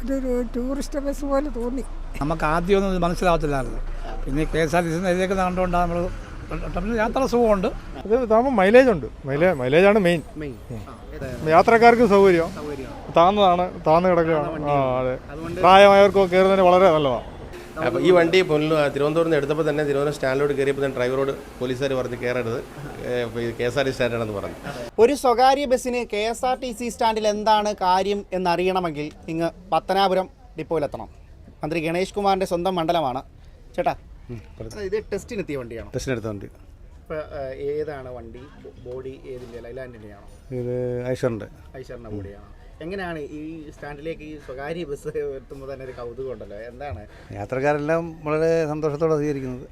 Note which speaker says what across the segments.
Speaker 1: ഇതൊരു tourist bus പോലെ തോന്നി.
Speaker 2: നമുക്ക് ആദ്യമൊന്നും ഇത് മനസ്സിലാവത്തില്ലായിരുന്നു. പിന്നെ KSRTC ഇതിലേക്ക് കണ്ടുകൊണ്ടാണ് നമ്മൾ യാത്ര സുഖമുണ്ട്.
Speaker 3: ഇത് ഇതാകുമ്പോൾ മൈലേജ് ഉണ്ട്. മൈലേജാണ് മെയിൻ. യാത്രക്കാർക്ക് സൗകര്യം താന്ന് കിടക്കുകയാണ്. അതെ, പ്രായമായവർക്കൊക്കെ കയറുന്നതിന് വളരെ നല്ലതാണ്.
Speaker 4: അപ്പോൾ ഈ വണ്ടി തിരുവനന്തപുരത്ത് നിന്ന് എടുത്തപ്പോൾ തന്നെ തിരുവനന്തപുരം സ്റ്റാൻഡിലോട്ട് കയറിയപ്പോൾ തന്നെ ഡ്രൈവറോട് പോലീസുകാർ പറഞ്ഞ് കയറരുത്, KSRTC സ്റ്റാൻഡാണെന്ന് പറഞ്ഞു.
Speaker 5: ഒരു സ്വകാര്യ ബസ്സിന് KSRTC സ്റ്റാൻഡിൽ എന്താണ് കാര്യം എന്നറിയണമെങ്കിൽ ഇങ്ങ് പത്തനാപുരം ഡിപ്പോയിലെത്തണം. മന്ത്രി ഗണേഷ് കുമാറിൻ്റെ സ്വന്തം മണ്ഡലമാണ്. ചേട്ടാ, ഇത് ടെസ്റ്റിനെത്തിയ വണ്ടിയാണോ?
Speaker 4: ടെസ്റ്റിനെടുത്ത വണ്ടി.
Speaker 5: ഇപ്പോൾ ഏതാണ് വണ്ടി? ബോഡി ഏതിൻ്റെ? ലൈലാൻഡിൻ്റെയാണോ?
Speaker 4: ഇത് ഐഷറിൻ്റെ
Speaker 5: ബോഡിയാണോ? എങ്ങനെയാണ് ഈ സ്റ്റാൻഡിലേക്ക് ഈ സ്വകാര്യ ബസ് എത്തുമ്പോൾ തന്നെ ഒരു കൗതുകം ഉണ്ടല്ലോ, എന്താണ്?
Speaker 4: യാത്രക്കാരെല്ലാം വളരെ സന്തോഷത്തോടെ സ്വീകരിക്കുന്നത്.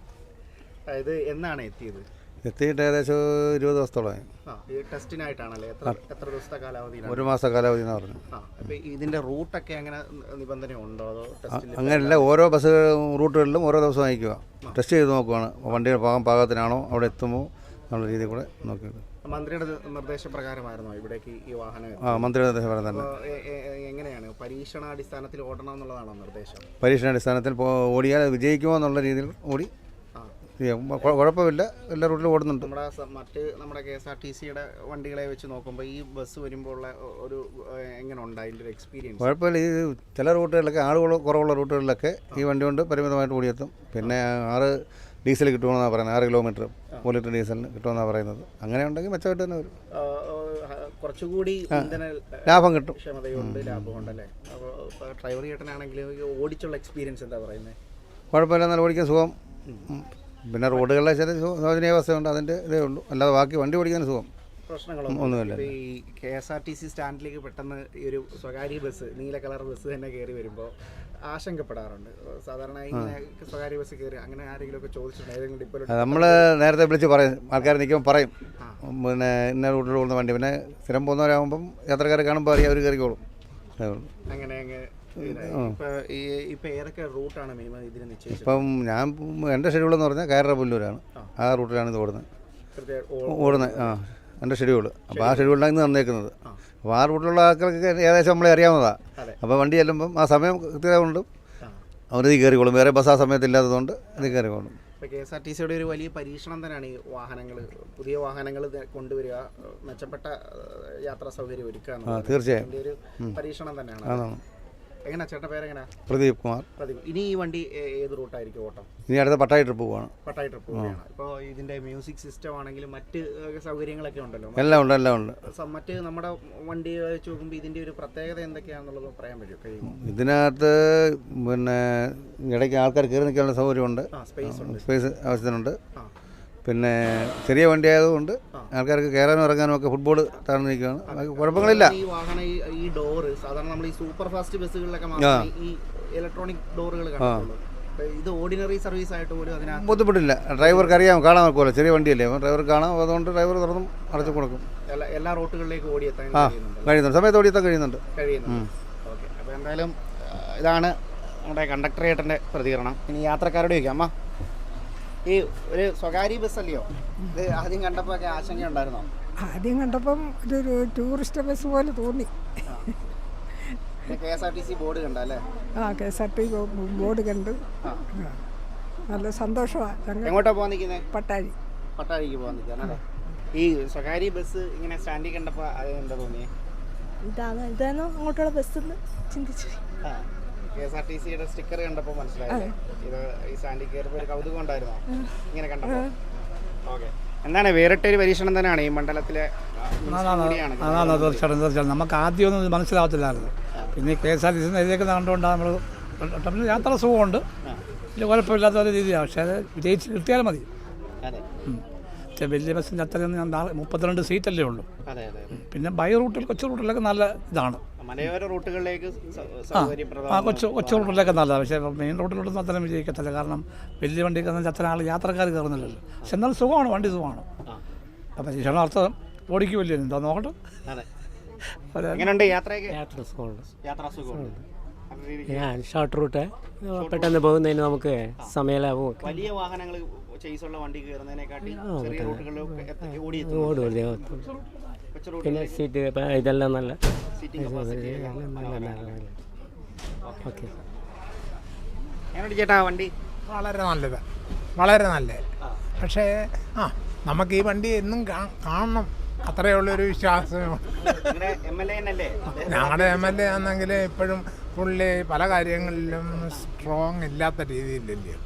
Speaker 5: ഇത് എന്നാണ് എത്തിയത്?
Speaker 4: എത്തിയിട്ട് ഏകദേശം 20 ദിവസത്തോളമായി.
Speaker 5: ഈ ടെസ്റ്റിനായിട്ടാണല്ലേ? എത്ര ദിവസത്തെ കാലാവധി?
Speaker 4: 1 മാസത്തെ കാലാവധി എന്ന് പറഞ്ഞു.
Speaker 5: അപ്പോൾ ഇതിൻ്റെ റൂട്ടൊക്കെ അങ്ങനെ നിബന്ധന ഉണ്ടോ? അതോ
Speaker 4: അങ്ങനെയല്ല, ഓരോ ബസ് റൂട്ടുകളിലും ഓരോ ദിവസം അയക്കുക, ടെസ്റ്റ് ചെയ്ത് നോക്കുകയാണ്. വണ്ടിയുടെ പാകത്തിനാണോ അവിടെ എത്തുമ്പോൾ എന്നുള്ള രീതിയിൽ കൂടെ നോക്കിയത്.
Speaker 5: മന്ത്രിയുടെ നിർദ്ദേശപ്രകാരമായിരുന്നോ ഇവിടേക്ക് ഈ വാഹനം?
Speaker 4: മന്ത്രിയുടെ നിർദ്ദേശപ്രകാരം തന്നെ.
Speaker 5: എങ്ങനെയാണ് പരീക്ഷണാടിസ്ഥാനത്തിൽ ഓടണം എന്നുള്ളതാണോ നിർദ്ദേശം?
Speaker 4: പരീക്ഷണാടിസ്ഥാനത്തിൽ ഓടിയാൽ വിജയിക്കുമോ എന്നുള്ള രീതിയിൽ ഓടി കുഴപ്പമില്ല, എല്ലാ റൂട്ടിലും ഓടുന്നുണ്ട്.
Speaker 5: നമ്മുടെ KSRTCയുടെ വണ്ടികളെ വെച്ച് നോക്കുമ്പോൾ ഈ ബസ് വരുമ്പോൾ ഉള്ള ഒരു എങ്ങനെ ഉണ്ട് അതിൻ്റെ ഒരു എക്സ്പീരിയൻസ്?
Speaker 4: കുഴപ്പമില്ല. ഈ ചില റൂട്ടുകളിലൊക്കെ ആളുകൾ കുറവുള്ള റൂട്ടുകളിലൊക്കെ ഈ വണ്ടി കൊണ്ട് പരിമിതമായിട്ട് ഓടിയെത്തും. പിന്നെ 6 ഡീസൽ കിട്ടുമെന്നാണ് പറയുന്നത്. 6 കിലോമീറ്റർ 1 ലിറ്റർ ഡീസലിന് കിട്ടുമെന്നാണ് പറയുന്നത്. അങ്ങനെ ഉണ്ടെങ്കിൽ മെച്ചമായിട്ട് തന്നെ വരും.
Speaker 5: കുറച്ചുകൂടി
Speaker 4: ലാഭം കിട്ടും.
Speaker 5: ക്ഷമതയുണ്ട്, ലാഭമുണ്ടല്ലേ? അപ്പോൾ ഡ്രൈവർ ചേട്ടനാണെങ്കിൽ ഓടിച്ചുള്ള എക്സ്പീരിയൻസ് എന്താ പറയുന്നത്?
Speaker 4: കുഴപ്പമില്ല, നല്ല ഓടിക്കാൻ സുഖം. പിന്നെ റോഡുകളിലെ ചില ശോചനീയാവസ്ഥയുണ്ട്, അതിൻ്റെ ഇതേ ഉള്ളൂ. അല്ലാതെ ബാക്കി വണ്ടി ഓടിക്കാൻ സുഖം, ഒന്നുമില്ല.
Speaker 5: ഈ KSRTC സ്റ്റാൻഡിലേക്ക് പെട്ടെന്ന് ഈ ഒരു സ്വകാര്യ ബസ്, നീല കളർ ബസ് തന്നെ കയറി വരുമ്പോൾ ആശങ്കപ്പെടാറുണ്ട്. സാധാരണ ഇങ്ങനെ സ്വകാര്യ ബസ് കയറി അങ്ങനെ ആരെങ്കിലും ഒക്കെ ചോദിച്ചിട്ടുണ്ട് ഏതെങ്കിലും ഡിപ്പോയിൽ?
Speaker 4: നമ്മൾ നേരത്തെ വിളിച്ച് പറയും, ആൾക്കാർ നിൽക്കുമ്പോൾ പറയും പിന്നെ ഇന്ന റൂട്ടിൽ പോകുന്ന വണ്ടി. പിന്നെ സ്ഥിരം പോകുന്നവരാകുമ്പം യാത്രക്കാരെ കാണുമ്പോൾ അറിയാം, അവർ കയറിക്കോളും.
Speaker 5: അങ്ങനെ ഇപ്പം ഏതൊക്കെ റൂട്ടാണ് മിനിമം ഇതിന് നിശ്ചയിച്ചത്?
Speaker 4: ഇപ്പം എൻ്റെ ഷെഡ്യൂളെന്ന് പറഞ്ഞാൽ കയറ പുല്ലൂരാണ്. ആ റൂട്ടിലാണ് ഇത് ഓടുന്നത്. എൻ്റെ ഷെഡ്യൂൾ. അപ്പോൾ ആ ഷെഡ്യൂളിലാണ് ഇന്ന് തന്നേക്കുന്നത്. അപ്പോൾ ആ റൂട്ടിലുള്ള ആൾക്കാർക്ക് ഏകദേശം നമ്മളെ അറിയാവുന്നതാണ്. അപ്പോൾ വണ്ടി ചെല്ലുമ്പം ആ സമയം കൃത്യത കൊണ്ട് അവരത് കയറിക്കോളും. വേറെ ബസ് ആ സമയത്ത് ഇല്ലാത്തതുകൊണ്ട് ഇത് കയറിക്കോളും.
Speaker 5: ഇപ്പോൾ KSRTCയുടെ ഒരു വലിയ പരീക്ഷണം തന്നെയാണ് ഈ വാഹനങ്ങൾ, പുതിയ വാഹനങ്ങൾ കൊണ്ടുവരിക, മെച്ചപ്പെട്ട യാത്രാ സൗകര്യം ഒരുക്കുക.
Speaker 4: തീർച്ചയായും
Speaker 5: ഒരു പരീക്ഷണം തന്നെയാണ്. എങ്ങനെയാ ചേട്ടൻ്റെ പേരെങ്ങനെയാ?
Speaker 4: പ്രദീപ് കുമാർ.
Speaker 5: ഇനി ഈ വണ്ടി ഏത് റൂട്ടായിരിക്കും ഓട്ടം?
Speaker 4: ഇനി അടുത്ത പട്ടായി ട്രിപ്പ് പോവാണ്.
Speaker 5: പട്ടായി ട്രിപ്പ് പോവുകയാണ്. ഇപ്പോൾ ഇതിൻ്റെ മ്യൂസിക് സിസ്റ്റം ആണെങ്കിലും മറ്റ് സൗകര്യങ്ങളൊക്കെ ഉണ്ടല്ലോ?
Speaker 4: എല്ലാം ഉണ്ട്.
Speaker 5: മറ്റ് നമ്മുടെ വണ്ടി വെച്ച് നോക്കുമ്പോൾ ഇതിൻ്റെ ഒരു പ്രത്യേകത എന്തൊക്കെയാണെന്നുള്ളത് പറയാൻ പറ്റുമോ?
Speaker 4: ഇതിനകത്ത് പിന്നെ ഇടയ്ക്ക് ആൾക്കാർ കയറി നിൽക്കാനുള്ള സൗകര്യമുണ്ട്, സ്പേസ് ആവശ്യത്തിനുണ്ട്. പിന്നെ ചെറിയ വണ്ടി ആയതുകൊണ്ട് ആൾക്കാർക്ക് കയറാനും ഇറങ്ങാനും ഒക്കെ ഫുട്ബോൾ താഴ്ന്നു നിൽക്കുകയാണ്. കുഴപ്പങ്ങളില്ല.
Speaker 5: ഈ വാഹനം ഈ ഡോറ് സാധാരണ നമ്മൾ ഈ സൂപ്പർ ഫാസ്റ്റ് ബസ്സുകളിലൊക്കെ ഈ ഇലക്ട്രോണിക് ഡോറുകൾ കണ്ടിട്ടുള്ളൂ. ഇത് ഓർഡിനറി സർവീസ് ആയിട്ട് പോലും അതിനകത്ത്
Speaker 4: ബുദ്ധിമുട്ടില്ല. ഡ്രൈവർക്ക് അറിയാം, കാണാൻ നോക്കുമല്ലോ, ചെറിയ വണ്ടിയല്ലേ, ഡ്രൈവർ കാണാം. അതുകൊണ്ട് ഡ്രൈവർ തുറന്നും അടച്ചു കൊടുക്കും.
Speaker 5: എല്ലാ റൂട്ടുകളിലേക്ക് ഓടിയെത്താൻ
Speaker 4: കഴിയുന്നുണ്ട്, സമയത്ത് ഓടിയെത്താൻ കഴിയുന്നുണ്ട്.
Speaker 5: ഓക്കെ. അപ്പോൾ എന്തായാലും ഇതാണ് നമ്മുടെ കണ്ടക്ടർ ചേട്ടൻ്റെ പ്രതികരണം. ഇനി യാത്രക്കാരോട് ചോദിക്കാം. അമ്മ, ഈ ഒരു സ്വകാര്യ ബസ്സല്ലയോ ഇത്? ആദ്യം കണ്ടപ്പോൾ ഒക്കെ ആശങ്കയുണ്ടായിരുന്നോ?
Speaker 1: ആദ്യം കണ്ടപ്പം ഇതൊരു ടൂറിസ്റ്റ് ബസ് പോലെ തോന്നി.
Speaker 5: KSRTC ബോർഡ് കണ്ടല്ലേ?
Speaker 1: KSRTC ബോർഡ് കണ്ട് നല്ല സന്തോഷമാണ്.
Speaker 5: എങ്ങോട്ടാ പോകാൻ നിൽക്കുന്നത്?
Speaker 1: പട്ടാഴിക്ക്
Speaker 5: പോകാൻ നിൽക്കാനല്ലേ? ഈ സ്വകാര്യ ബസ് ഇങ്ങനെ സ്റ്റാൻഡിൽ കണ്ടപ്പോൾ അത് എന്താ തോന്നിയേ?
Speaker 6: ഇതാണോ അങ്ങോട്ടുള്ള ബസ് ചിന്തിച്ചു.
Speaker 5: KSRTCയുടെ സ്റ്റിക്കർ കണ്ടപ്പോൾ മനസ്സിലായി ഇത് ഈ സ്റ്റാൻഡിൽ കയറിയപ്പോൾ ഒരു കൗതുകം ഉണ്ടായിരുന്നോ ഇങ്ങനെ കണ്ടപ്പോൾ? ഓക്കെ. എന്താണ് വേറിട്ടൊരു പരീക്ഷണം തന്നെയാണ് ഈ മണ്ഡലത്തിലെ?
Speaker 2: തീർച്ചയായിട്ടും നമുക്ക് ആദ്യമൊന്നും ഇത് മനസ്സിലാവത്തില്ലായിരുന്നു. പിന്നെ KSRTC ഇതിലേക്ക് കണ്ടുകൊണ്ടാണ് നമ്മൾ യാത്ര സുഖമുണ്ട്, വലിയ കുഴപ്പമില്ലാത്ത ഒരു രീതിയാണ്. പക്ഷേ അത് വിജയിച്ച് കിട്ടിയാലും മതി. വലിയ ബസ്സിൻ്റെ അത്രയൊന്നും 32 സീറ്റല്ലേ ഉള്ളൂ. പിന്നെ ബൈ റൂട്ടിൽ കൊച്ചു റൂട്ടിലൊക്കെ നല്ല ഇതാണ്.
Speaker 5: റൂട്ടുകളിലേക്ക്
Speaker 2: കൊച്ചു റൂട്ടിലൊക്കെ നല്ലതാണ്. പക്ഷേ മെയിൻ റൂട്ടിലോട്ടൊന്നും അത്രയും വിജയിക്കത്തില്ല. കാരണം വലിയ വണ്ടിക്ക് അത്ര ആൾ യാത്രക്കാർ കയറുന്നില്ലല്ലോ. പക്ഷെ എന്നാലും സുഖമാണ്, വണ്ടി സുഖമാണ്. അപ്പം പരീക്ഷണാർത്ഥം ഓടിക്കുമല്ലോ, എന്താ നോക്കട്ടെ.
Speaker 7: ഷോർട്ട് റൂട്ട് പെട്ടെന്ന് പോകുന്നതിന് നമുക്ക് സമയലാഭം.
Speaker 5: വലിയ വാഹനങ്ങൾ വണ്ടി
Speaker 7: പിന്നെ സീറ്റ് ഇതെല്ലാം നല്ല ഓക്കെ.
Speaker 5: എങ്ങനെയുണ്ട് ചേട്ടാ വണ്ടി?
Speaker 8: വളരെ നല്ലത്, വളരെ നല്ലത്. പക്ഷേ നമുക്ക് ഈ വണ്ടി എന്നും കാണണം, അത്രയേ ഉള്ളൊരു വിശ്വാസം. ഞങ്ങളുടെ MLA ആണെങ്കിൽ ഇപ്പോഴും പുള്ളി പല കാര്യങ്ങളിലും സ്ട്രോങ് ഇല്ലാത്ത രീതിയിലല്ലേ.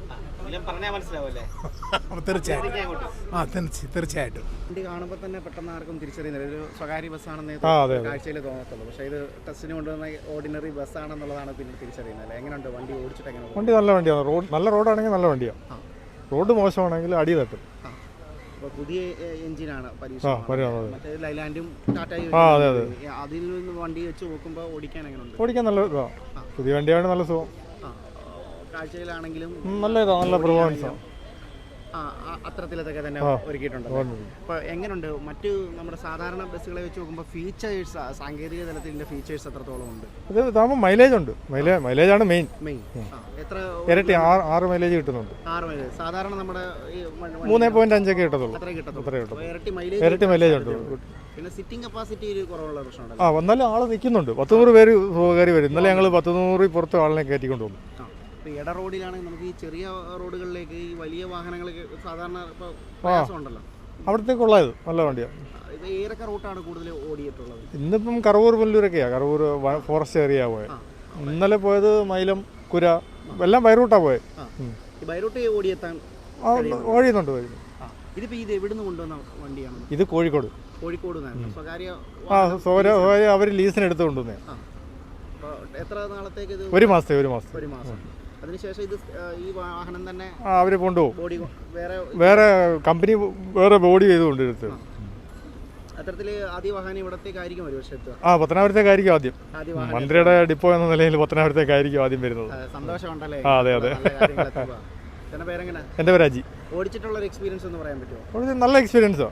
Speaker 8: തീർച്ചയായിട്ടും തീർച്ചയായിട്ടും
Speaker 5: വണ്ടി കാണുമ്പോൾ തന്നെ പെട്ടെന്ന് ആർക്കും തിരിച്ചറിയുന്നില്ല, ഒരു സ്വകാര്യ ബസ്സാണെന്ന് കാഴ്ചയിൽ തോന്നത്തുള്ളൂ. പക്ഷേ ഇത് ടെസ്റ്റിന് കൊണ്ടുവന്ന ഓർഡിനറി ബസ്സാണെന്നുള്ളതാണ് പിന്നെ തിരിച്ചറിയുന്നത്. എങ്ങനെയുണ്ട് വണ്ടി ഓടിച്ചിട്ട്? എങ്ങനെ?
Speaker 3: വണ്ടി നല്ല വണ്ടിയാണ്. നല്ല റോഡാണെങ്കിൽ നല്ല വണ്ടിയാണ്. റോഡ് മോശമാണെങ്കിൽ അടി തട്ടും.
Speaker 5: അപ്പോൾ പുതിയ എഞ്ചിനാണ് പരീക്ഷ. മറ്റേ ലൈലാൻഡും ടാറ്റയും അതിൽ നിന്ന് വണ്ടി വെച്ച് നോക്കുമ്പോൾ ഓടിക്കാൻ എങ്ങനെയുണ്ട്?
Speaker 3: ഓടിക്കാൻ നല്ല ഇതാണ്. പുതിയ വണ്ടിയാണ്, നല്ല സുഖം.
Speaker 5: കാഴ്ചയിലാണെങ്കിലും
Speaker 3: നല്ല ഇതാണ്, നല്ല പെർഫോമൻസാണ്.
Speaker 5: അത്തരത്തിലൊക്കെ തന്നെ ഒരുക്കിയിട്ടുണ്ട്. അപ്പോൾ എങ്ങനെയുണ്ട് മറ്റ് നമ്മുടെ സാധാരണ ബസ്സുകളെ വെച്ച് നോക്കുമ്പോൾ ഫീച്ചേഴ്സ്, സാങ്കേതിക തലത്തിൻ്റെ ഫീച്ചേഴ്സ് എത്രത്തോളം ഉണ്ട്?
Speaker 3: ഇത് ഇതാകുമ്പോൾ മൈലേജ് ഉണ്ട്. മൈലേജാണ് മെയിൻ.
Speaker 5: എത്ര?
Speaker 3: ഇരട്ടി 6 മൈലേജ് കിട്ടുന്നുണ്ട്.
Speaker 5: 6 മൈലേജ്. സാധാരണ നമ്മുടെ
Speaker 3: 3.5 ഒക്കെ കിട്ടത്തുള്ളൂ.
Speaker 5: അത്രേ കിട്ടത്തുള്ളൂ.
Speaker 3: ഇരട്ടി മൈലേജ് ഉണ്ട്.
Speaker 5: പിന്നെ സിറ്റിംഗ് കപ്പാസിറ്റി കുറവുള്ള പ്രശ്നമുണ്ട്.
Speaker 3: വന്നാലും ആൾ നിൽക്കുന്നുണ്ട്. 100 പേര് കയറി വരും. ഇന്നലെ ഞങ്ങൾ 100 പുറത്ത് ആളിനെ കയറ്റിക്കൊണ്ട് പോകും.
Speaker 5: ഇപ്പോൾ ഇട റോഡിലാണെങ്കിൽ നമുക്ക് ഈ ചെറിയ റോഡുകളിലേക്ക് ഈ വലിയ വാഹനങ്ങൾക്ക് സാധാരണ ഇപ്പോൾ പ്രയാസമുണ്ടല്ലോ.
Speaker 3: അവിടത്തേക്കുള്ളത് നല്ല വണ്ടിയാണ്.
Speaker 5: ഇത് ഏതൊക്കെ റൂട്ടാണ് കൂടുതൽ ഓടിയിട്ടുള്ളത്?
Speaker 3: ഇന്നിപ്പം കറവൂർ പുല്ലൂരൊക്കെയാണ്. കറവൂർ ഫോറസ്റ്റ് ഏരിയ പോയത്. ഇന്നലെ പോയത് മൈലം, കുര, എല്ലാം ബൈറൂട്ടാണ് പോയത്.
Speaker 5: ഈ ബൈറൂട്ട് ഓടിയെത്താൻ
Speaker 3: ഓടിയുന്നുണ്ട്.
Speaker 5: ഇതിപ്പോൾ ഇത് എവിടുന്ന് കൊണ്ടുവന്ന വണ്ടിയാണ്?
Speaker 3: ഇത് കോഴിക്കോട്.
Speaker 5: കോഴിക്കോട്
Speaker 3: സ്വകാര്യ അവർ ലീസിന് എടുത്ത് കൊണ്ടുവന്നേ.
Speaker 5: എത്ര നാളത്തേക്ക് ഇത്?
Speaker 3: 1 മാസത്തെ. 1 മാസം.
Speaker 5: അതിനുശേഷം ഇത് ഈ വാഹനം തന്നെ
Speaker 3: അവർ കൊണ്ടുപോകും.
Speaker 5: ബോഡി
Speaker 3: വേറെ കമ്പനി വേറെ ബോഡി ചെയ്തുകൊണ്ട് എടുത്ത്.
Speaker 5: അത്തരത്തിൽ ആദ്യ വാഹനം ഇവിടത്തേക്കായിരിക്കും ഒരു വർഷത്ത്.
Speaker 3: പത്തനാപുരത്തേക്കായിരിക്കും ആദ്യം. മന്ത്രിയുടെ ഡിപ്പോ എന്ന നിലയിൽ പത്തനാപുരത്തേക്കായിരിക്കും ആദ്യം വരുന്നത്.
Speaker 5: സന്തോഷമുണ്ടല്ലേ?
Speaker 3: അതെ.
Speaker 5: പേരെങ്ങനെ?
Speaker 3: എൻ്റെ പേര് അജി.
Speaker 5: ഓടിച്ചിട്ടുള്ള ഒരു എക്സ്പീരിയൻസ് ഒന്ന് പറയാൻ പറ്റുമോ?
Speaker 3: നല്ല എക്സ്പീരിയൻസാണ്.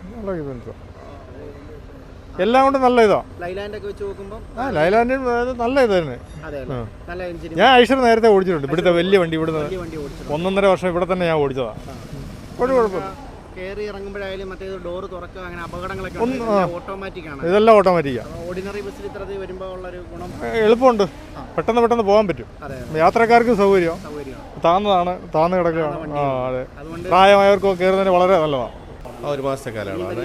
Speaker 3: എല്ലാം കൊണ്ടും നല്ല ഇതാണ്.
Speaker 5: ലൈലാൻഡൊക്കെ വെച്ച് നോക്കുമ്പോൾ
Speaker 3: ലൈലാൻഡ് നല്ല ഇത് തന്നെ.
Speaker 5: നല്ല എഞ്ചിൻ.
Speaker 3: ഞാൻ ഐഷർ നേരത്തെ ഓടിച്ചിട്ടുണ്ട്. ഇവിടുത്തെ വലിയ വണ്ടി. ഇവിടുന്ന് 1.5 വർഷം ഇവിടെ തന്നെ ഞാൻ ഓടിച്ചതാണ്. ഒരു കുഴപ്പമില്ല.
Speaker 5: കയറി ഇറങ്ങുമ്പോഴായാലും മറ്റേ ഡോറ് തുറക്കുക, അങ്ങനെ അപകടങ്ങളൊക്കെ ഓട്ടോമാറ്റിക് ആണ്.
Speaker 3: ഇതെല്ലാം ഓട്ടോമാറ്റിക്കാണ്.
Speaker 5: ഓർഡിനറി ബസ്സിൽ ഇത്തരത്തിൽ വരുമ്പോൾ ഉള്ളൊരു ഗുണം
Speaker 3: എളുപ്പമുണ്ട്. പെട്ടെന്ന് പോകാൻ പറ്റും. യാത്രക്കാർക്ക് സൗകര്യം. താന്ന് കിടക്കുകയാണ്. അതെ. പ്രായമായവർക്കൊക്കെ കയറുന്നതിന് വളരെ നല്ലതാണ്.
Speaker 9: 1 മാസത്തെ കാലയളവാണ്.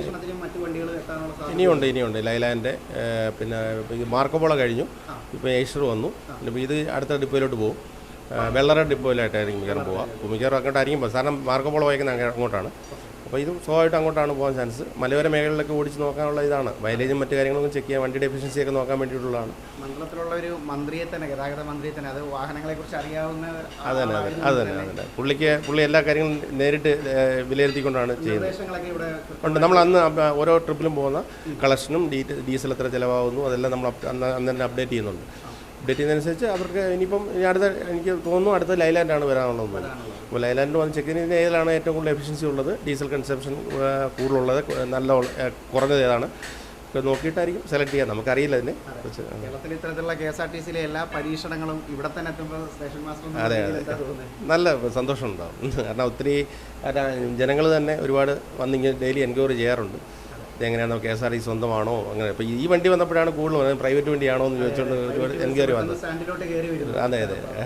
Speaker 9: ഇനിയുണ്ട് ലൈലാൻഡ്, പിന്നെ മാർക്കോപോള കഴിഞ്ഞു. ഇപ്പോൾ ഏഷ്യർ വന്നു. ഇപ്പോൾ ഇത് അടുത്ത ഡിപ്പോയിലോട്ട് പോകും. വെള്ളറ ഡിപ്പോയിലായിട്ടായിരിക്കും മിക്കവാറും പോവാം. മിക്കവാറും അങ്ങോട്ടായിരിക്കും പോകും. കാരണം മാർക്കോപോള വായിക്കുന്നത് അങ്ങോട്ടാണ്. അപ്പോൾ ഇതും സ്വാഭാവികമായിട്ട് അങ്ങോട്ടാണ് പോകാൻ ചാൻസ്. മലയോര മേഖലകളിലൊക്കെ ഓടിച്ച് നോക്കാനുള്ള ഇതാണ്. മൈലേജും മറ്റു കാര്യങ്ങളൊക്കെ ചെക്ക് ചെയ്യാൻ, വണ്ടിയുടെ എഫിഷ്യൻസി ഒക്കെ നോക്കാൻ വേണ്ടിയിട്ടുള്ളതാണ്.
Speaker 5: മണ്ഡലത്തിലുള്ള ഒരു മന്ത്രിയെ തന്നെ, ഗതാഗത മന്ത്രിയെ തന്നെ, അത് വാഹനങ്ങളെക്കുറിച്ച് അറിയാവുന്ന.
Speaker 9: അതന്നെ. പുള്ളി എല്ലാ കാര്യങ്ങളും നേരിട്ട് വിലയിരുത്തിക്കൊണ്ടാണ് ചെയ്യുന്നത്. ഉണ്ട്. നമ്മൾ അന്ന് ഓരോ ട്രിപ്പിലും പോകുന്ന കളക്ഷനും ഡീസൽ എത്ര ചിലവാകുന്നു അതെല്ലാം നമ്മൾ അന്ന് തന്നെ അപ്ഡേറ്റ് ചെയ്യുന്നുണ്ട്. അപ്ഡേറ്റ് ചെയ്യുന്നതനുസരിച്ച് അവർക്ക് ഇനിയിപ്പം എനിക്ക് തോന്നുന്നു അടുത്ത ലൈലാൻഡാണ് വരാനുള്ളത്. അപ്പോൾ ലൈലാൻഡ് വന്ന് ചെക്ക് ചെയ്യുന്ന ഏതിലാണ് ഏറ്റവും കൂടുതൽ എഫിഷ്യൻസി ഉള്ളത്, ഡീസൽ കൺസംഷൻ കൂടുതലുള്ളത്, നല്ല കുറഞ്ഞത് ഏതാണ് നോക്കിയിട്ടായിരിക്കും സെലക്ട് ചെയ്യാൻ. നമുക്കറിയില്ല അതിനെ കുറിച്ച്.
Speaker 5: കേരളത്തിൽ ഇത്തരത്തിലുള്ള KSRTCയിലെ എല്ലാ പരീക്ഷണങ്ങളും ഇവിടെ തന്നെ എത്തുമ്പോൾ സ്റ്റേഷൻ മാസ്റ്റർ.
Speaker 9: അതെ. നല്ല സന്തോഷം ഉണ്ടാകും. കാരണം ഒത്തിരി ജനങ്ങൾ തന്നെ ഒരുപാട് വന്നിങ്ങനെ ഡെയിലി എൻക്വയറി ചെയ്യാറുണ്ട്. ഇതെങ്ങനെയാണോ KSRTC സ്വന്തമാണോ അങ്ങനെ. ഇപ്പോൾ ഈ വണ്ടി വന്നപ്പോഴാണ് കൂടുതൽ പ്രൈവറ്റ് വണ്ടിയാണോ എന്ന് ചോദിച്ചുകൊണ്ട് ഒരുപാട് എൻക്വയറി വന്നത്. അതെ.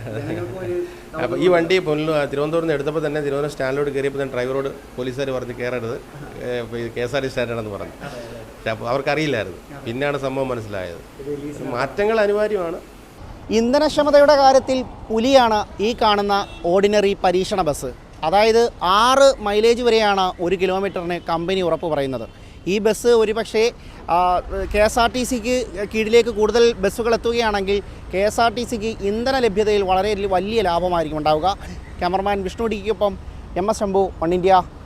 Speaker 9: അപ്പോൾ ഈ വണ്ടി തിരുവനന്തപുരത്ത് നിന്ന് എടുത്തപ്പോൾ തന്നെ തിരുവനന്തപുരം സ്റ്റാൻഡിലോട്ട് കയറിയപ്പോൾ തന്നെ ഡ്രൈവറോട് പോലീസുകാർ പറഞ്ഞ് കയറരുത്, KSRTC സ്റ്റാൻഡാണെന്ന് പറഞ്ഞു. അപ്പോൾ അവർക്കറിയില്ലായിരുന്നു. പിന്നെയാണ് സംഭവം മനസ്സിലായത്. മാറ്റങ്ങൾ അനിവാര്യമാണ്.
Speaker 5: ഇന്ധനക്ഷമതയുടെ കാര്യത്തിൽ പുലിയാണ് ഈ കാണുന്ന ഓർഡിനറി പരീക്ഷണ ബസ്. അതായത് 6 മൈലേജ് വരെയാണ് 1 കിലോമീറ്ററിന് കമ്പനി ഉറപ്പ് പറയുന്നത്. ഈ ബസ് ഒരുപക്ഷേ KSRTCക്ക് കീഴിലേക്ക് കൂടുതൽ ബസ്സുകൾ എത്തുകയാണെങ്കിൽ KSRTCക്ക് ഇന്ധന ലഭ്യതയിൽ വളരെ വലിയ ലാഭമായിരിക്കും ഉണ്ടാവുക. ക്യാമറമാൻ വിഷ്ണു ഡിക്കൊപ്പം MS ശംഭു, വൺ ഇന്ത്യ.